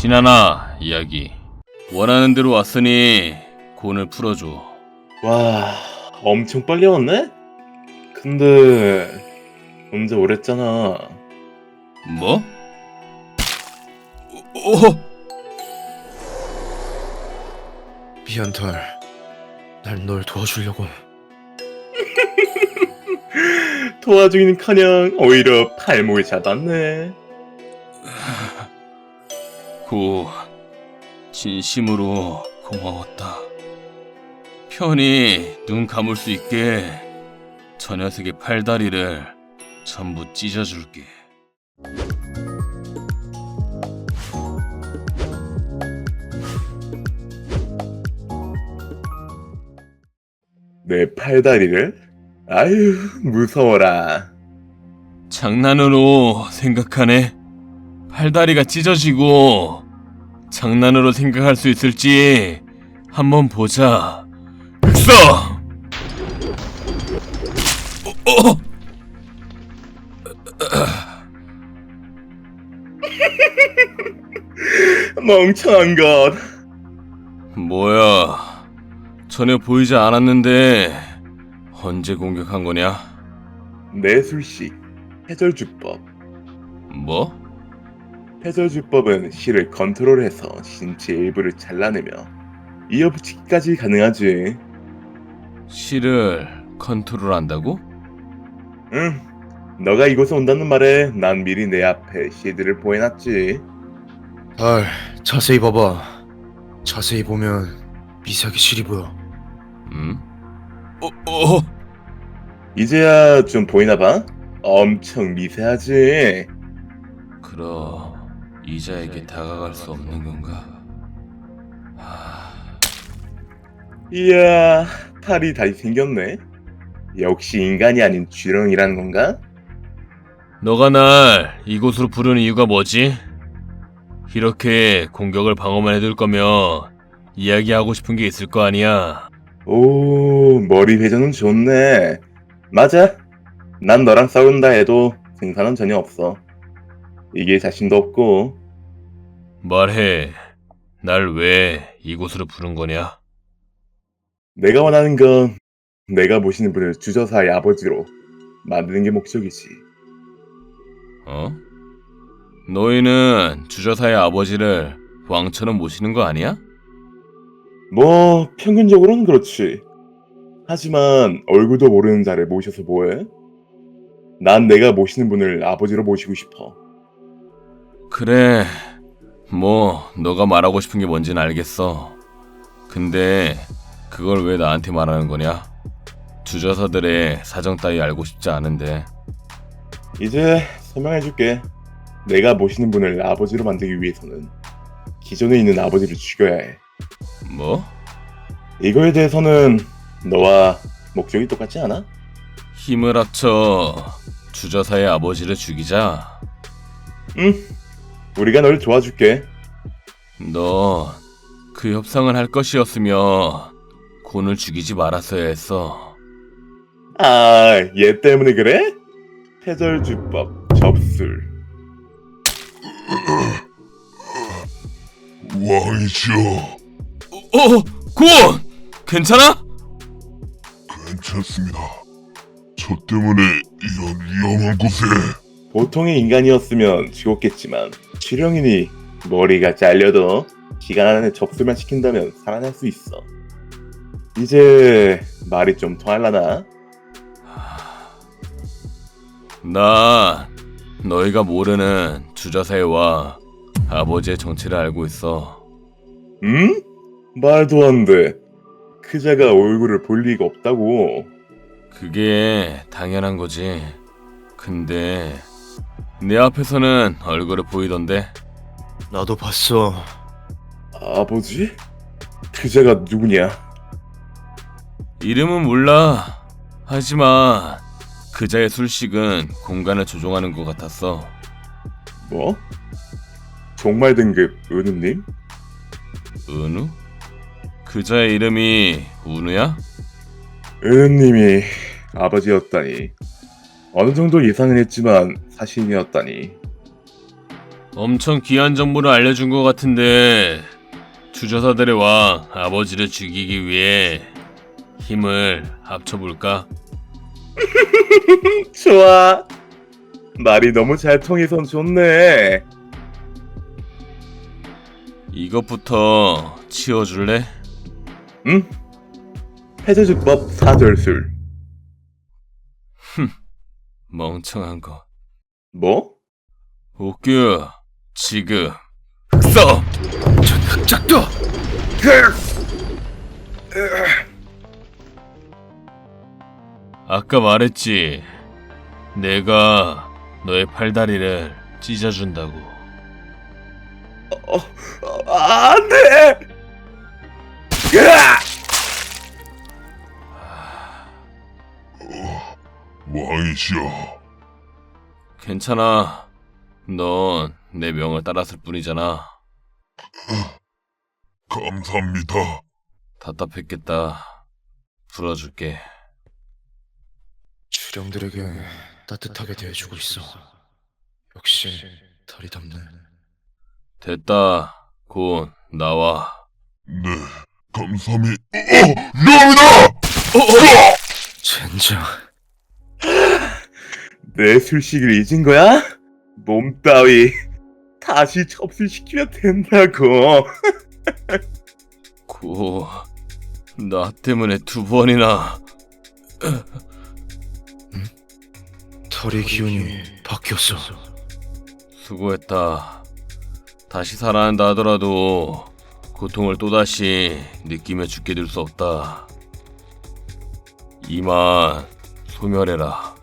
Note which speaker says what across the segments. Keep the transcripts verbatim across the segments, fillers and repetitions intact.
Speaker 1: 신하나 이야기. 원하는 대로 왔으니 곤을 풀어줘.
Speaker 2: 와, 엄청 빨리 왔네? 근데 혼자 오랬잖아.
Speaker 1: 뭐? 어?
Speaker 3: 미안털, 난 널 도와주려고.
Speaker 2: 도와주기는커녕 오히려 팔목을 잡았네.
Speaker 1: 고 진심으로 고마웠다. 편히 눈 감을 수 있게 저 녀석의 팔다리를 전부 찢어줄게.
Speaker 2: 내 팔다리를? 아유, 무서워라.
Speaker 1: 장난으로 생각하네. 팔다리가 찢어지고 장난으로 생각할 수 있을지 한번 보자. 흑서! 어, 어!
Speaker 2: 멍청한 것.
Speaker 1: 뭐야? 전혀 보이지 않았는데 언제 공격한 거냐?
Speaker 2: 내술식 해절주법.
Speaker 1: 뭐?
Speaker 2: 해절주법은 실을 컨트롤해서 신체 일부를 잘라내며 이어붙이기까지 가능하지.
Speaker 1: 실을 컨트롤한다고?
Speaker 2: 응. 너가 이곳에 온다는 말에 난 미리 내 앞에 실드를 보여놨지.
Speaker 3: 달, 자세히 봐봐. 자세히 보면 미세하게 실이 보여.
Speaker 1: 음? 어, 어?
Speaker 2: 이제야 좀 보이나 봐? 엄청 미세하지.
Speaker 1: 그럼 이자에게 다가갈 수 없는 건가? 하...
Speaker 2: 이야, 팔이 다시 생겼네. 역시 인간이 아닌 쥐렁이라는 건가?
Speaker 1: 너가 날 이곳으로 부르는 이유가 뭐지? 이렇게 공격을 방어만 해둘 거면 이야기하고 싶은 게 있을 거 아니야.
Speaker 2: 오, 머리 회전은 좋네. 맞아. 난 너랑 싸운다 해도 승산은 전혀 없어. 이게 자신도 없고.
Speaker 1: 말해. 날 왜 이곳으로 부른 거냐?
Speaker 2: 내가 원하는 건 내가 모시는 분을 주저사의 아버지로 만드는 게 목적이지.
Speaker 1: 어? 너희는 주저사의 아버지를 왕처럼 모시는 거 아니야?
Speaker 2: 뭐 평균적으로는 그렇지. 하지만 얼굴도 모르는 자를 모셔서 뭐해? 난 내가 모시는 분을 아버지로 모시고 싶어.
Speaker 1: 그래. 뭐 너가 말하고 싶은 게 뭔지는 알겠어. 근데 그걸 왜 나한테 말하는 거냐? 주저사들의 사정 따위 알고 싶지 않은데.
Speaker 2: 이제 설명해줄게. 내가 모시는 분을 아버지로 만들기 위해서는 기존에 있는 아버지를 죽여야 해.
Speaker 1: 뭐?
Speaker 2: 이거에 대해서는 너와 목적이 똑같지 않아?
Speaker 1: 힘을 합쳐 주저사의 아버지를 죽이자.
Speaker 2: 응, 우리가 널 도와줄게.
Speaker 1: 너 그 협상을 할 것이었으면 곤을 죽이지 말았어야 했어.
Speaker 2: 아, 얘 때문에 그래? 해절주법 접술.
Speaker 4: 왕이시여,
Speaker 1: 어, 곤! 괜찮아?
Speaker 4: 괜찮습니다. 저 때문에 이런 위험한 곳에.
Speaker 2: 보통의 인간이었으면 죽었겠지만 쥐령이니 머리가 잘려도 기간 안에 접술만 시킨다면 살아날 수 있어. 이제 말이 좀 통할라나?
Speaker 1: 나 너희가 모르는 주저사의 아버지의 정체를 알고 있어.
Speaker 2: 응? 말도 안 돼. 그자가 얼굴을 볼 리가 없다고.
Speaker 1: 그게 당연한 거지. 근데 내 앞에서는 얼굴을 보이던데.
Speaker 3: 나도 봤어.
Speaker 2: 아버지? 그자가 누구냐?
Speaker 1: 이름은 몰라. 하지만 그자의 술식은 공간을 조종하는 것 같았어.
Speaker 2: 뭐? 종말 등급 은우님?
Speaker 1: 은우? 그자의 이름이 은우야?
Speaker 2: 은우님이 아버지였다니. 어느 정도 예상은 했지만 사실이었다니.
Speaker 1: 엄청 귀한 정보를 알려준 것 같은데 주저사들의 왕 아버지를 죽이기 위해 힘을 합쳐볼까?
Speaker 2: 좋아. 말이 너무 잘 통해선 좋네.
Speaker 1: 이것부터 치워줄래?
Speaker 2: 응? 해저주법 사절술.
Speaker 1: 멍청한 거.
Speaker 2: 뭐?
Speaker 1: 옥규, 지금 흑서!
Speaker 3: 전 흑작도!
Speaker 1: 아까 말했지. 내가 너의 팔다리를 찢어준다고.
Speaker 2: 어, 어, 안 돼! 으아!
Speaker 4: 왕이시여.
Speaker 1: 괜찮아. 넌 내 명을 따랐을 뿐이잖아.
Speaker 4: 감사합니다.
Speaker 1: 답답했겠다. 풀어줄게.
Speaker 3: 주령들에게 따뜻하게 대해주고 있어. 역시 달이 덥네.
Speaker 1: 됐다. 곧 나와.
Speaker 4: 네, 감사합니다. 어, 미안합니다!
Speaker 3: 젠장.
Speaker 2: 내 술식을 잊은 거야? 몸 따위 다시 접수시키면 된다고.
Speaker 1: 고, 나 때문에 두 번이나.
Speaker 3: 털의 기운이 바뀌었어.
Speaker 1: 수고했다. 다시 살아난다 하더라도 고통을 또다시 느끼며 죽게 될 수 없다. 이만 소멸해라.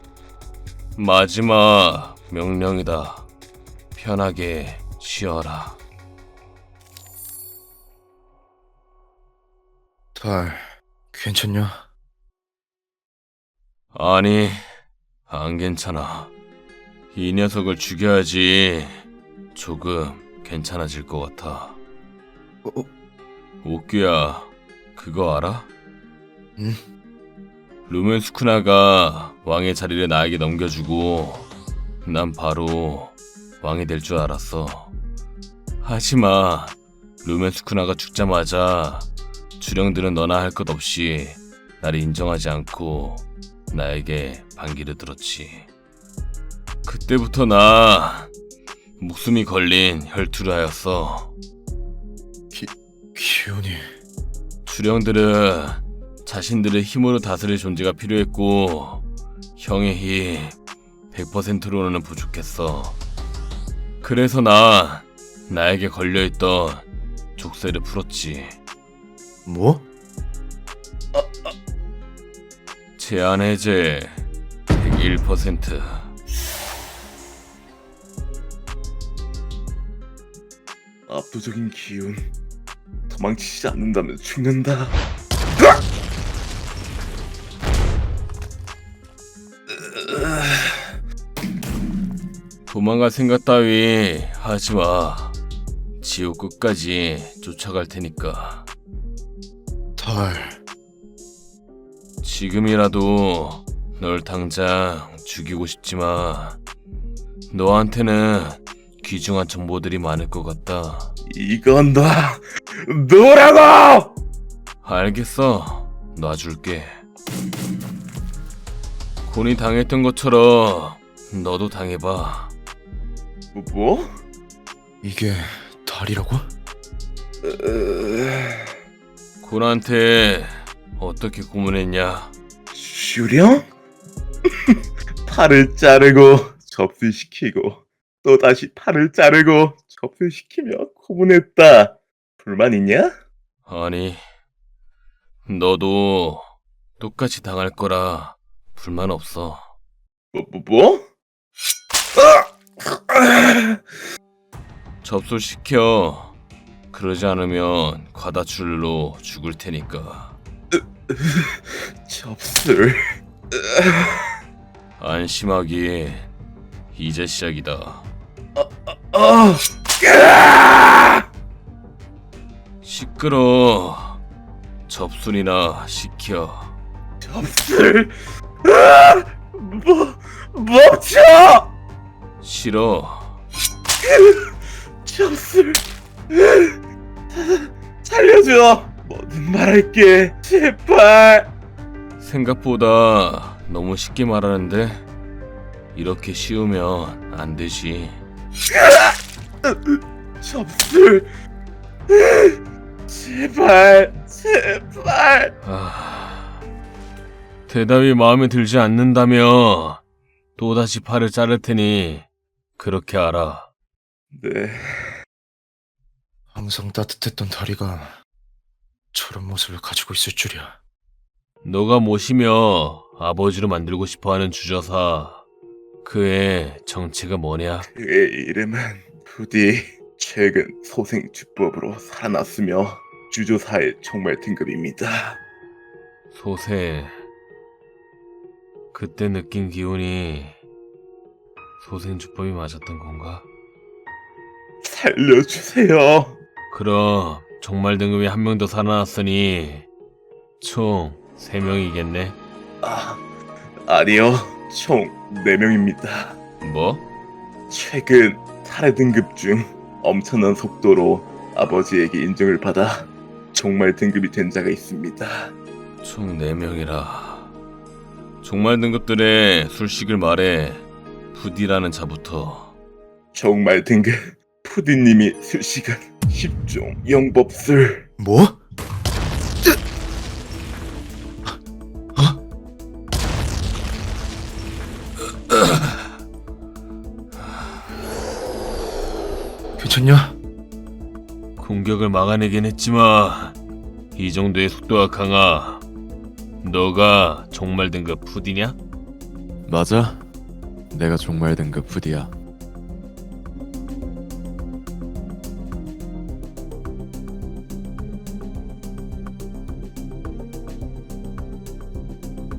Speaker 1: 마지막 명령이다. 편하게 쉬어라.
Speaker 3: 달, 괜찮냐?
Speaker 1: 아니, 안 괜찮아. 이 녀석을 죽여야지 조금 괜찮아질 것 같아.
Speaker 3: 어, 어,
Speaker 1: 옥규야, 그거 알아?
Speaker 3: 응?
Speaker 1: 루멘스쿠나가 왕의 자리를 나에게 넘겨주고 난 바로 왕이 될 줄 알았어. 하지만 루멘스쿠나가 죽자마자 주령들은 너나 할 것 없이 나를 인정하지 않고 나에게 반기를 들었지. 그때부터 나 목숨이 걸린 혈투를 하였어.
Speaker 3: 기운이...
Speaker 1: 주령들은 자신들의 힘으로 다스릴 존재가 필요했고 형의 힘 백 퍼센트로는 부족했어. 그래서 난 나에게 걸려있던 족쇄를 풀었지.
Speaker 3: 뭐?
Speaker 1: 제한 해제 백일 퍼센트.
Speaker 2: 압도적인 기운. 도망치지 않는다면 죽는다.
Speaker 1: 도망갈 생각 따위 하지마. 지옥 끝까지 쫓아갈 테니까.
Speaker 3: 달...
Speaker 1: 지금이라도 널 당장 죽이고 싶지만 너한테는 귀중한 정보들이 많을 것 같다.
Speaker 2: 이건 너 너라고!
Speaker 1: 알겠어. 놔줄게. 곤이 당했던 것처럼 너도 당해봐.
Speaker 2: 뭐? 뭐?
Speaker 3: 이게 달이라고?
Speaker 1: 곤한테 어떻게 고문했냐?
Speaker 2: 주령? 팔을 자르고 접수시키고 또 다시 팔을 자르고 접수시키며 고문했다. 불만 있냐?
Speaker 1: 아니, 너도 똑같이 당할 거라 불만 없어.
Speaker 2: 뭐? 뭐? 뭐?
Speaker 1: 접수시켜. 그러지 않으면 과다출로 죽을 테니까.
Speaker 2: 접술.
Speaker 1: 안심하기 이제 시작이다.
Speaker 2: 어.
Speaker 1: 시끄러. 접순이나 시켜.
Speaker 2: 접술. 아! 뭐 멈춰!
Speaker 1: 싫어.
Speaker 2: 첩술 살려줘. 뭐든 말할게. 제발.
Speaker 1: 생각보다 너무 쉽게 말하는데 이렇게 쉬우면 안 되지.
Speaker 2: 첩술 제발 제발.
Speaker 1: 아, 대답이 마음에 들지 않는다면 또다시 팔을 자를 테니 그렇게 알아.
Speaker 2: 네.
Speaker 3: 항상 따뜻했던 다리가 저런 모습을 가지고 있을 줄이야.
Speaker 1: 너가 모시며 아버지로 만들고 싶어하는 주저사, 그의 정체가 뭐냐?
Speaker 2: 그의 이름은 부디. 최근 소생주법으로 살아났으며 주조사의 총말 등급입니다.
Speaker 1: 소세. 그때 느낀 기운이 소생주법이 맞았던 건가?
Speaker 2: 살려주세요.
Speaker 1: 그럼 정말 등급이 한 명 더 살아났으니 총 세 명이겠네.
Speaker 2: 아, 아니요. 총 네 명입니다.
Speaker 1: 뭐?
Speaker 2: 최근 탈의 등급 중 엄청난 속도로 아버지에게 인정을 받아 정말 등급이 된 자가 있습니다.
Speaker 1: 총 네 명이라. 정말 등급들의 술식을 말해. 부디라는 자부터.
Speaker 2: 정말 등급 푸디님이 술식은 십종 영법술.
Speaker 3: 뭐? 괜찮냐?
Speaker 1: 공격을 막아내긴 했지만 이 정도의 속도가 강하. 너가 정말 등급 푸디냐?
Speaker 5: 맞아. 내가 종말 등급 푸디야.